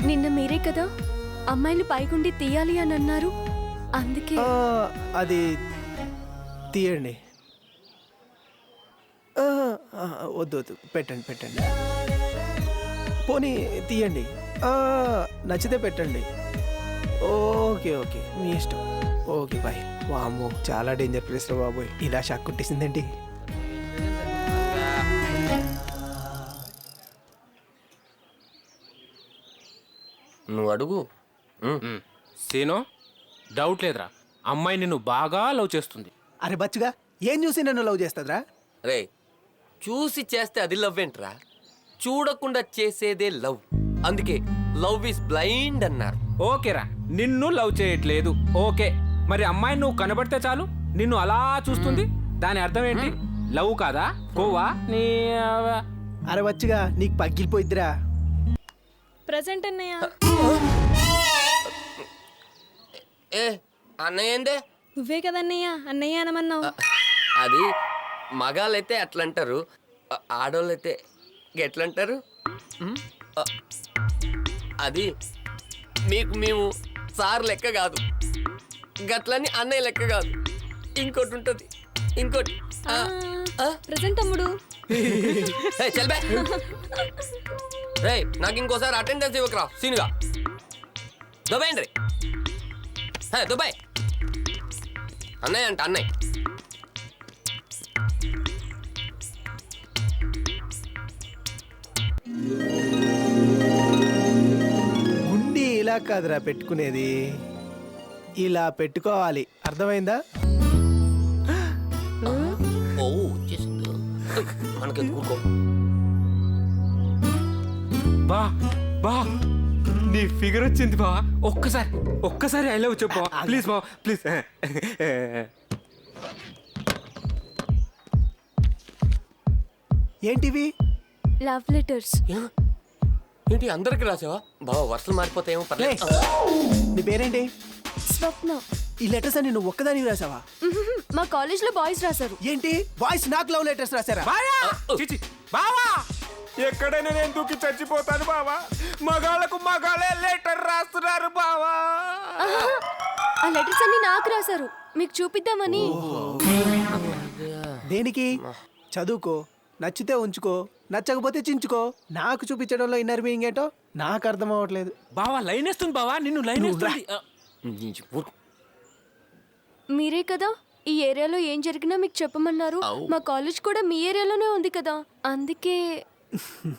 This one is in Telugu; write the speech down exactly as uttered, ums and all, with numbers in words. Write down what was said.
నిన్న మీరే కదా అమ్మాయిని పైకుండి తీయాలి అని అన్నారు. అందుకే ఆ, అది తీయండి. ఆ, ఆ, వద్దు వద్దు పెట్టండి పెట్టండి. పోనీ తీయండి. ఆ, నచ్చితే పెట్టండి. ఓకే ఓకే మీ ఇష్టం. Okay bye. వామ్మో చాలా డేంజర్ ప్లేస్లో బాబోయ్, ఇలా షాక్ కొట్టేసిందండి. నువ్వు అడుగు. సీను, డౌట్ లేదురా, అమ్మాయి నిన్ను బాగా లవ్ చేస్తుంది. అరే బచ్చుగా, ఏం చూసి నన్ను లవ్ చేస్తుందిరా? రే, చూసి చేస్తే అది లవ్ ఏంట్రా? చూడకుండా చేసేదే లవ్. అందుకే లవ్ ఇస్ బ్లైండ్ అన్నారు. ఓకేరా, నిన్ను లవ్ చేయట్లేదు. ఓకే, మరి అమ్మాయి నువ్వు కనబడితే చాలు నిన్ను అలా చూస్తుంది. దాని అర్థం ఏంటి? లవ్ కాదా? కోవా నీ? అరే బచ్చుగా, నీకు పగిలిపోయిద్దిరా. ప్రెసెంట్ అన్నయ్య. ఏ అన్నయ్య ఏందే? నువ్వే కదన్నయ్య అన్నయ్య అనమన్నావు. అది మగాళ్ళైతే అట్లా అంటారు, ఆడోళ్ళైతే ఎట్లంటారు? ఆ, అది మీకు మేము సార్ లెక్క కాదు, గట్లని అన్నయ్య లెక్క కాదు. ఇంకోటి ఉంటుంది, ఇంకోటి. ఆ, ఆ? ప్రెసెంట్ తమ్ముడు. ఏ, చల్ బే. రే, నాకు ఇంకోసారి అటెండెన్స్ ఇవ్వకరా సీనుగా. దుబాయండి రే, దుబాయ్. అన్నయ్య అంట అన్నయ్య. గుండి ఇలా కాదురా పెట్టుకునేది, ఇలా పెట్టుకోవాలి. అర్థమైందా? ఓ వచ్చేసింది. మనకి కూకో. బా బా నీ ఫిగర్ వచ్చింది బా. ఒక్కసారి ఒక్కసారి ఐ లవ్ చెప్పు ప్లీజ్ బా, ప్లీజ్. ఏంటివి? Love letters. ఏంటి అందరికి రాసావా? బావ వర్షాలు మారిపోతాయేమో లే, పర్లేదు. నీ పేరేంటి? స్వప్న. ఈ లెటర్స్ అని నువ్వు ఒక్కదానికి రాసావా? మ్మ్హ్మ్. మా కాలేజ్ లో బాయ్స్ రాశారు. ఏంటి బాయ్స్ నాకు లవ్ లెటర్స్ రాసారా? చిచి బావా, ఎక్కడైనా నేను దూకి చచ్చిపోతాను బావా. మగాళ్ళకు మగాళ్ళే లెటర్ రాస్తున్నారు బావా. ఆహా, ఆ లెటర్స్ అన్ని నాకు రాశారు, మీకు చూపిద్దామని. దేనికి? చదువుకో, నచ్చితే ఉంచుకో, నచ్చకపోతే చించుకో. నాకు చూపించడంలో ఇన్నర్ మీనింగ్ ఏంటో నాకు అర్థం అవ్వట్లేదు. బావా లైన్ వేస్తుంది బావా, నిన్ను లైన్ నువ్వు రా. వేస్తుంది. మీరే కదా ఈ ఏరియాలో ఏం జరిగినా మీకు చెప్పమన్నారు. అవు. మా కాలేజ్ కూడా మీ ఏరియాలోనే ఉంది కదా, అందుకే.